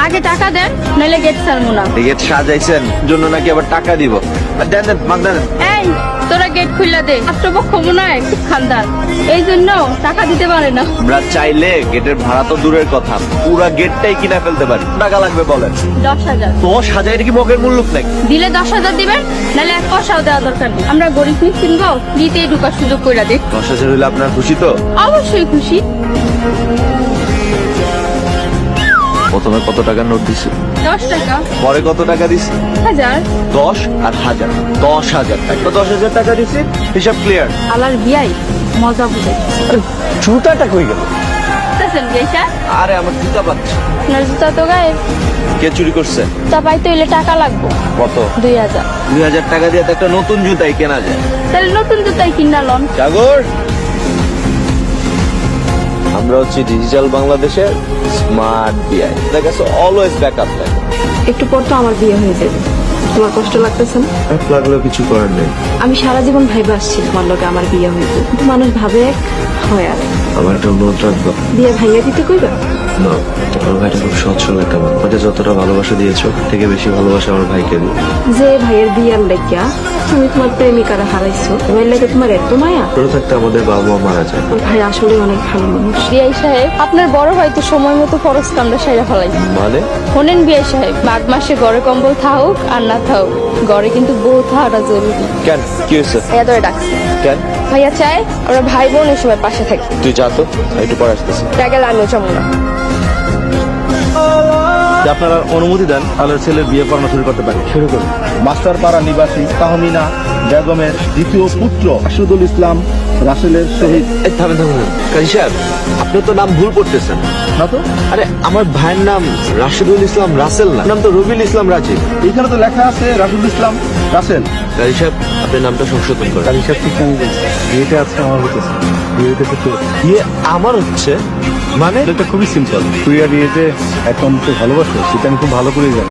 আগে টাকা দেন, নইলে গেট ছাড়বো না। গেট সাজাইছেন জন্য নাকি আবার টাকা দিব? আর দেন দেন মাগ দেন। এই তোরা গেট খুললা দে, রাষ্ট্রপক্ষ মনে হয় খুব খানদার, এই জন্য টাকা দিতে পারে না। আমরা চাইলে গেটের ভাড়া তো দূরের কথা, পুরা গেটটাই কিনা ফেলতে পারি। টাকা লাগবে বলেন। 10,000 10,000 কি মগের মূল্য নাকি? দিলে 10,000 দিবেন, নাহলে 1 পয়সাও দেওয়া দরকার নেই। আমরা গরিব মিসকিন গো, দিতেই ঢুকার সুযোগ করে দিই। 10,000 হইলে আপনার খুশি তো? অবশ্যই খুশি। প্রথমে কত টাকার নোট দিছি? 10 টাকা। পরে কত টাকা দিছি? 1000। 10 আর 1000, 10,000 টাকা। তো 10,000 টাকা দিছি, হিসাব ক্লিয়ার। আলার বিয়াই মজা বুঝে। জুতাটা কই গেল? বুঝতেছেন বিয়াইটা? আরে আমার জুতা পাচ্ছে। আপনার জুতা তো গায়েব। কে চুরি করছে? তা পাইতে হইলে টাকা লাগবো। কত? 2000। 2000 টাকা দিয়ে তো একটা নতুন জুতাই কেনা যায়। তাহলে নতুন জুতাই কিনা লন। সাগর, আমরা হচ্ছে ডিজিটাল বাংলাদেশের স্মার্ট বিআই। দেখা গেছে অলওয়েজ ব্যাকআপ থাকে। একটু পর তো আমার বিয়ে হয়ে যাবে, তোমার কষ্ট লাগতেছে না? লাগলেও কিছু করার নেই। আমি সারা জীবন ভাইবা আসছি তোমার লগে আমার বিয়ে হইবে, কিন্তু মানুষ ভাবে এক হয় আর এক। আমার একটা অনুরোধ রাখবো। বিয়ে ভাইয়া দিতে কইবা? না, আমার ভাইটা খুব সৎ সরল একটা মানুষ। আমাকে যতটা ভালোবাসা দিয়েছো থেকে বেশি ভালোবাসা আমার ভাইকে দিই। যে ভাইয়ের বিয়ার লাগিয়া তুমি তোমার প্রেমিকারা হারাইছো, এবার লাগে তোমার এত মায়া? ছোট থাকতে আমাদের বাবা মা মারা যায়। তোর ভাই আসলে অনেক ভালো মানুষ। বিয়াই সাহেব, আপনার বড় ভাই তো সময় মতো খরচ কামড়া সাইরা ফেলাই। মানে? শোনেন বিয়াই সাহেব, মাঘ মাসে ঘরে কম্বল থাকুক আর না থাকুক, ঘরে কিন্তু বউ থাকাটা জরুরি। কেন, কি হয়েছে? ভাইয়া ধরে ডাকছে। কেন? ভাইয়া চায় আমরা ভাই বোন এই সময় পাশে থাকি। তুই যা তো, আমি একটু পরে আসতেছি। গেলে আমিও যাবো না। আপনারা অনুমতি দেন তাহলে ছেলের বিয়ে পড়ানো শুরু করতে পারি। শুরু করুন। মাস্টারপাড়া নিবাসী তাহমিনা বেগমের দ্বিতীয় পুত্র রাশিদুল ইসলাম রাসেলের শহীদ। এই থামেন থামেন, কাজী সাহেব আপনি তো নাম ভুল করতেছেন। না তো, আরে আমার ভাইয়ের নাম রাশিদুল ইসলাম রাসেল না, নাম তো রবিউল ইসলাম রাজীব। এইখানে তো লেখা আছে রাশিদুল ইসলাম রাসেল। কাজী সাহেব আপনি নামটা সংশোধন করেন। তার হিসাব ঠিক আমি বলছি, বিয়েটা আজকে আমার হতেছে। বিয়ে হইতেছে তোর। ইয়ে আমার হচ্ছে মানে? এটা খুবই সিম্পল। তুই আর বিয়েতে এখন তো ভালোবাসো, সেটা আমি খুব ভালো করেই জানি।